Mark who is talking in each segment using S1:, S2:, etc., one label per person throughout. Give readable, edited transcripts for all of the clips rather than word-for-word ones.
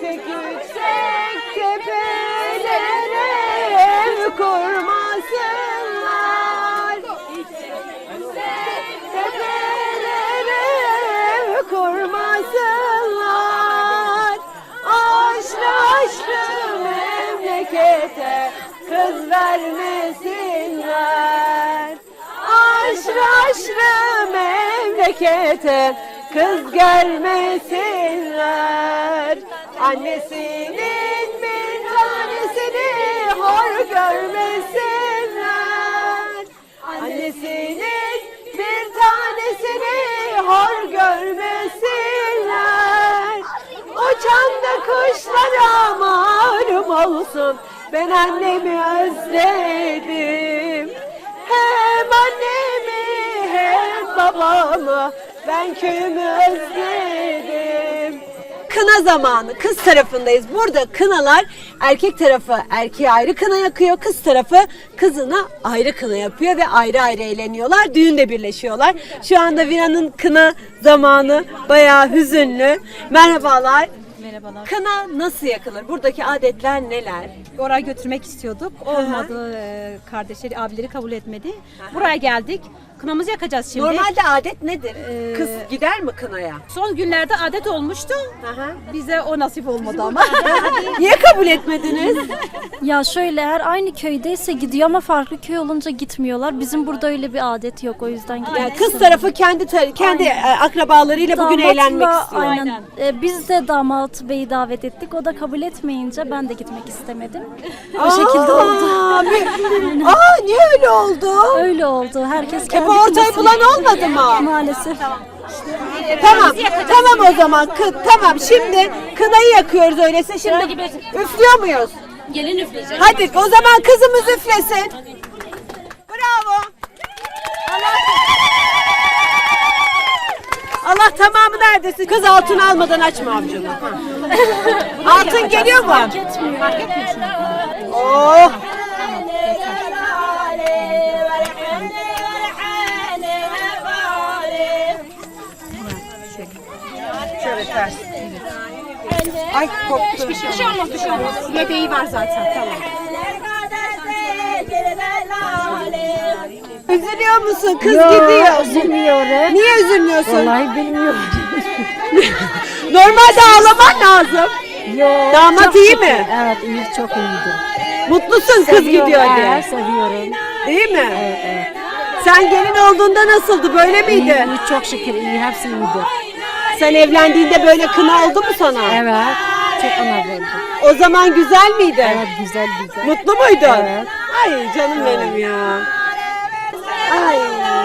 S1: Yüksek yüksek tepelere ev kurmasınlar. Tepelere ev kurmasınlar. Aşrı aşrı memlekete kız vermesinler. Aşrı aşrı memlekete kız gelmesinler. Annesinin bir tanesini hor görmesinler. Annesinin bir tanesini hor görmesinler. Uçan da kuşlara malum olsun, ben annemi özledim. Hem annemi hem babamı, ben köyümü özledim. Kına zamanı, kız tarafındayız. Burada kınalar, erkek tarafı erkeğe ayrı kına yakıyor, kız tarafı kızına ayrı kına yapıyor ve ayrı ayrı eğleniyorlar. Düğünde birleşiyorlar. Şu anda Vina'nın kına zamanı, bayağı hüzünlü. Merhabalar.
S2: Merhabalar.
S1: Kına nasıl yakılır? Buradaki adetler neler?
S2: Oraya götürmek istiyorduk. Olmadı. Kardeşleri, abileri kabul etmedi. Buraya geldik. Kınamızı yakacağız şimdi.
S1: Normalde adet nedir? Kız gider mi kınaya?
S2: Son günlerde adet olmuştu. Bize o nasip olmadı ama.
S1: Niye kabul etmediniz?
S3: Ya şöyle, eğer aynı köydeyse gidiyor ama farklı köy olunca gitmiyorlar. Bizim burada öyle bir adet yok, o yüzden gidiyoruz.
S1: Yani kız tarafı kendi akrabalarıyla bugün eğlenmek istiyor.
S3: Aynen. Biz de damat beyi davet ettik. O da kabul etmeyince ben de gitmek istemedim. O şekilde oldu.
S1: Niye öyle oldu?
S3: Öyle oldu. Herkes kendi
S1: ortayı
S3: kafasına-
S1: bulan olmadı mı?
S3: Maalesef.
S1: Tamam o zaman. Tamam, şimdi kınayı yakıyoruz öyleyse. Şimdi üflüyor muyuz?
S2: Gelin üfleyecek.
S1: Hadi o zaman kızımız üflesin. Bravo. Allah tamamı neredesin? Kız altın almadan açma avucunu. Altın geliyor mu? Fark etmiyor. Oh. Şöyle ters. Ay koptu.
S2: Bir şey olmaz, bir şey olmaz. Yedeği var zaten. Tamam.
S1: Üzülüyor musun? Kız gidiyor.
S4: Üzülmüyorum.
S1: Niye üzülmüyorsun?
S4: Vallahi bilmiyorum.
S1: Normalde ağlaman lazım.
S4: Yok.
S1: Damat
S4: çok
S1: iyi
S4: şükür.
S1: mi?
S4: Evet, iyi, çok iyiydi.
S1: Mutlusun kız gidiyor diye.
S4: Evet, seviyorum.
S1: Değil mi?
S4: Evet.
S1: Sen gelin olduğunda nasıldı? Böyle
S4: İyi,
S1: miydi?
S4: iyi, çok şükür iyi, hepsi iyiydi.
S1: Sen evlendiğinde böyle kına oldu mu sana?
S4: Evet, çok önemliydi.
S1: O zaman güzel miydi?
S4: Evet, güzel güzel.
S1: Mutlu muydun?
S4: Evet.
S1: Ay canım benim ya. Ay.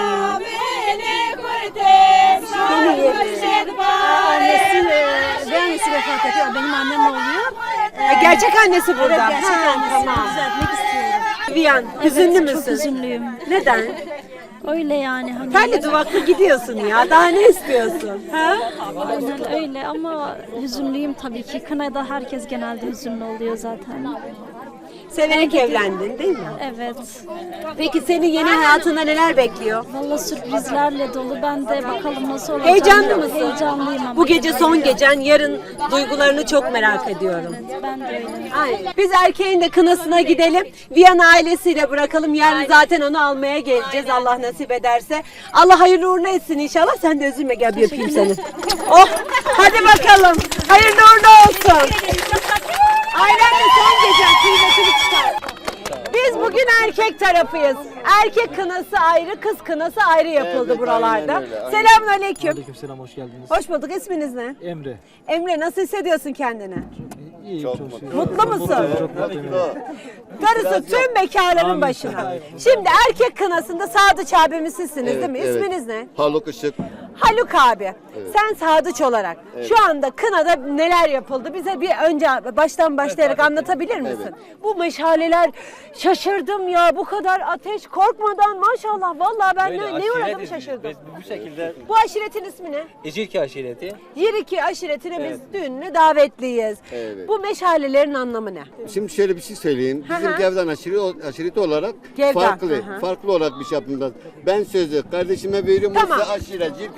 S1: Seni yerim.
S3: Ben annesi vefat ediyor. Benim annem oluyor.
S1: Gerçek annesi burada.
S3: Gerçek annesi. Düzeltmek istiyorum.
S1: Viyan, hüzünlü
S3: Çok
S1: müsün?
S3: üzünlüyüm.
S1: Neden?
S3: Öyle yani. Hani
S1: Terli duvaklı gidiyorsun ya. Daha ne istiyorsun? Ha?
S3: aynen öyle ama hüzünlüyüm tabii ki. Kınada herkes genelde hüzünlü oluyor zaten.
S1: Severek evlendin değil mi?
S3: Evet.
S1: Peki senin yeni hayatında neler bekliyor?
S3: Valla sürprizlerle dolu. Ben de bakalım nasıl olacak.
S1: Heyecanlı mısın?
S3: Heyecanlıyım ama.
S1: Bu gece son gecen, yarın duygularını çok merak ediyorum.
S3: Ben de öyle.
S1: Ay, biz erkeğin de kınasına gidelim. Viyana ailesiyle bırakalım. Yarın zaten onu almaya geleceğiz Allah nasip ederse. Allah hayırlı uğurlu etsin inşallah. Sen de üzülme, gel bir öpeyim seni. Oh, hadi bakalım. Hayırlı uğurlu olsun. Ailenle son gecen, kıymetini çıkar. Biz bugün erkek tarafıyız. Erkek kınası ayrı, kız kınası ayrı yapıldı buralarda. Selamünaleyküm.
S5: Aleykümselam, hoş geldiniz.
S1: Hoş bulduk. İsminiz ne?
S5: Emre.
S1: Emre, nasıl hissediyorsun kendini?
S5: İyiyim, çok şükür.
S1: Mutlu musun?
S5: Çok mutluyum.
S1: Darısı tüm bekarların başına. Şimdi erkek kınasında Sadıç abimiz sizsiniz değil mi? İsminiz ne?
S6: Haluk Işık.
S1: Haluk abi. Sen Sadıç olarak şu anda kınada neler yapıldı? Bize bir önce baştan başlayarak anlatabilir misin? Bu meşaleler, şaşırdım ya, bu kadar ateş korkmadan maşallah. Vallahi ben ne uğradım şaşırdım.
S7: Bu şekilde
S1: Bu aşiretin ismi ne?
S7: Ecirki aşireti.
S1: Yiriki aşiretine biz düğününe davetliyiz.
S6: Evet.
S1: Bu meşalelerin anlamı ne?
S6: Şimdi şöyle bir şey söyleyeyim. Bizim Gevdan aşireti olarak
S1: Gevdan,
S6: farklı olarak bir şey yapımda. Ben sözü kardeşime veriyorum.
S1: Tamam.
S6: O size aşiret, Cirki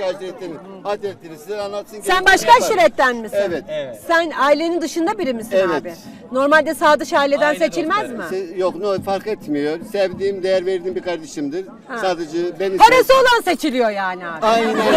S6: aşiretlerin adetleri size anlatsın.
S1: Sen
S6: gerisini
S1: başka
S6: yapar.
S1: aşiretten misin?
S6: Evet.
S1: Sen ailenin dışında biri misin
S6: Evet.
S1: abi? Normalde sadıç aileden seçilmez mi?
S6: Yok fark etmiyor. Sevdiğim, değer verdiğim bir kardeşimdir. Sadece beni...
S1: Parası olan seçiliyor yani abi.
S6: Aynen öyle.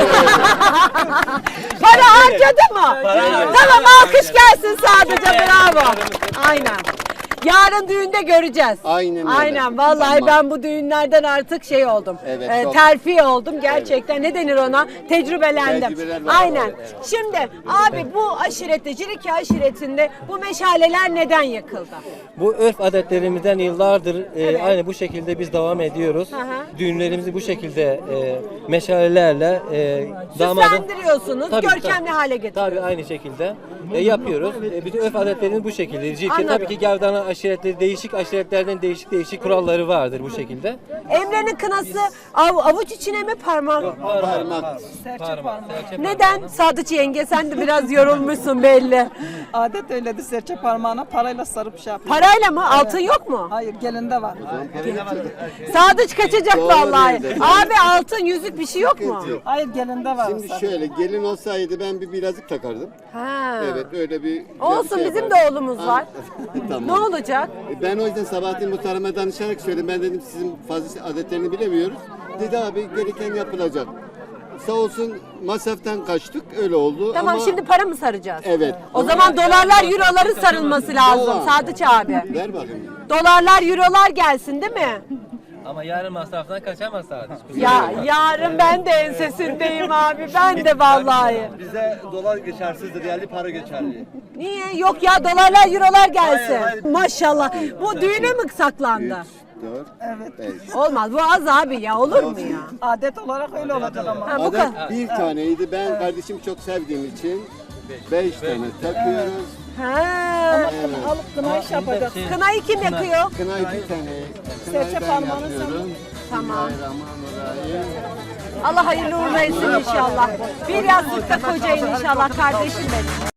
S1: Para harcadı mı? Tamam, alkış gelsin sadece, bravo. Aynen. Yarın düğünde göreceğiz.
S6: Aynen öyle.
S1: Aynen, vallahi
S6: Tamam.
S1: ben bu düğünlerden artık şey oldum.
S6: Evet, çok.
S1: Terfi oldum gerçekten. Ne denir ona? Tecrübelendim.
S6: Tecrübeler var,
S1: Aynen.
S6: evet.
S1: Şimdi abi bu aşirette, Ciriki aşiretinde bu meşaleler neden yakıldı?
S5: Bu örf adetlerimizden yıllardır aynı bu şekilde biz devam ediyoruz.
S1: hı.
S5: Düğünlerimizi bu şekilde meşalelerle damadın...
S1: Süslendiriyorsunuz,
S5: Tabii,
S1: görkemli
S5: tabii.
S1: hale getiriyorsunuz.
S5: Tabii aynı şekilde yapıyoruz. Bütün örf adetlerimiz bu şekilde. Cirke
S1: Anladım.
S5: tabii ki Gevdana aşiretleri, değişik aşiretlerden değişik kuralları vardır bu şekilde.
S1: Emre'nin kınası avuç içine mi, parmak?
S6: Parmak.
S5: Parmak.
S1: Neden? Sadıç yenge, sen de biraz yorulmuşsun belli.
S7: Adet öyledir, serçe parmağına parayla sarıp şey yapıyor.
S1: Parayla mı? Altın yok mu?
S7: Hayır, gelinde var.
S1: Sadıç kaçacak
S6: Doğru
S1: vallahi.
S6: dedi.
S1: Abi altın yüzük bir şey yok mu?
S7: Hayır, gelinde var.
S6: Şimdi şöyle gelin olsaydı ben bir bilezik takardım.
S1: Ha.
S6: Evet öyle bir...
S1: Olsun, bizim de
S6: yapardım.
S1: oğlumuz var.
S6: Tamam.
S1: Ne olacak?
S6: Ben o yüzden Sabahattin Muhtarım'a danışarak söyledim. Ben dedim sizin fazla adetlerini bilemiyoruz. Dedi abi gereken yapılacak. Sağ olsun masraftan kaçtık öyle oldu
S1: Tamam,
S6: ama...
S1: şimdi para mı saracağız?
S6: Evet.
S1: O zaman dolarlar, euroların sarılması lazım
S6: Dolar.
S1: Sadıç abi.
S6: Ver bakayım.
S1: Dolarlar, eurolar gelsin değil mi?
S5: Ama yarın masraftan kaçamaz sadece.
S1: Ya yarın ben de ensesindeyim abi. Ben de vallahi.
S8: Bize dolar geçersizdir, yerli para geçerli.
S1: Niye? Yok ya, dolarlar, eurolar gelsin. Maşallah. Bu düğüne mi saklandı?
S6: 4,
S7: Evet.
S6: 5.
S1: Olmaz. Bu az abi ya. Olur mu ya?
S7: Adet olarak öyle olacak ama.
S1: Ha, bu kadar.
S6: Adet bir taneydi. Ben kardeşimi çok sevdiğim için 5 tane takıyoruz.
S1: Ha.
S7: Alıp kına iş yapacaksın.
S1: Kınayı kim yakıyor?
S6: Kına 2 tane.
S7: Serçe
S6: Kınayı ben
S7: parmağını
S6: yapıyorum.
S1: Tamam.
S6: Bismillahirrahmanirrahim.
S1: Allah hayırlı uğurlu etsin inşallah. Bir yastıkta kocayın inşallah kardeşim benim.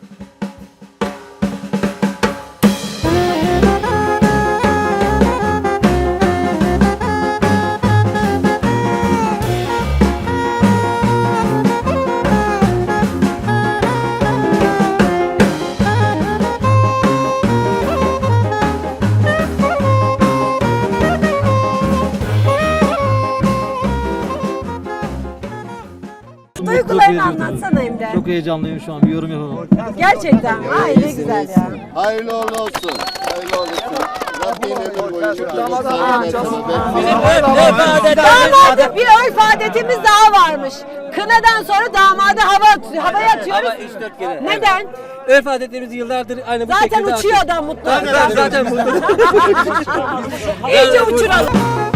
S1: Duygularını anlatsana Emre.
S9: Çok heyecanlıyım şu an. Bir yorum yapamam.
S1: Gerçekten. Ay ne güzel ya.
S6: Hayırlı uğurlu olsun. Hayırlı olsun. Rabbim ömür boyu
S1: Damadı bir örf adetimiz daha varmış. Kınadan sonra damadı havaya atıyoruz.
S5: Ama 3-4 kere.
S1: Neden?
S5: Örf adetlerimiz yıllardır aynı bu
S1: Zaten
S5: şekilde
S1: uçuyor adam mutlu.
S5: Zaten bu.
S1: İyice uçuralım.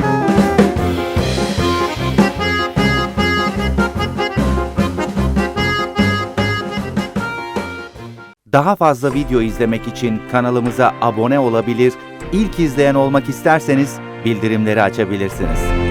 S10: Daha fazla video izlemek için kanalımıza abone olabilir, ilk izleyen olmak isterseniz bildirimleri açabilirsiniz.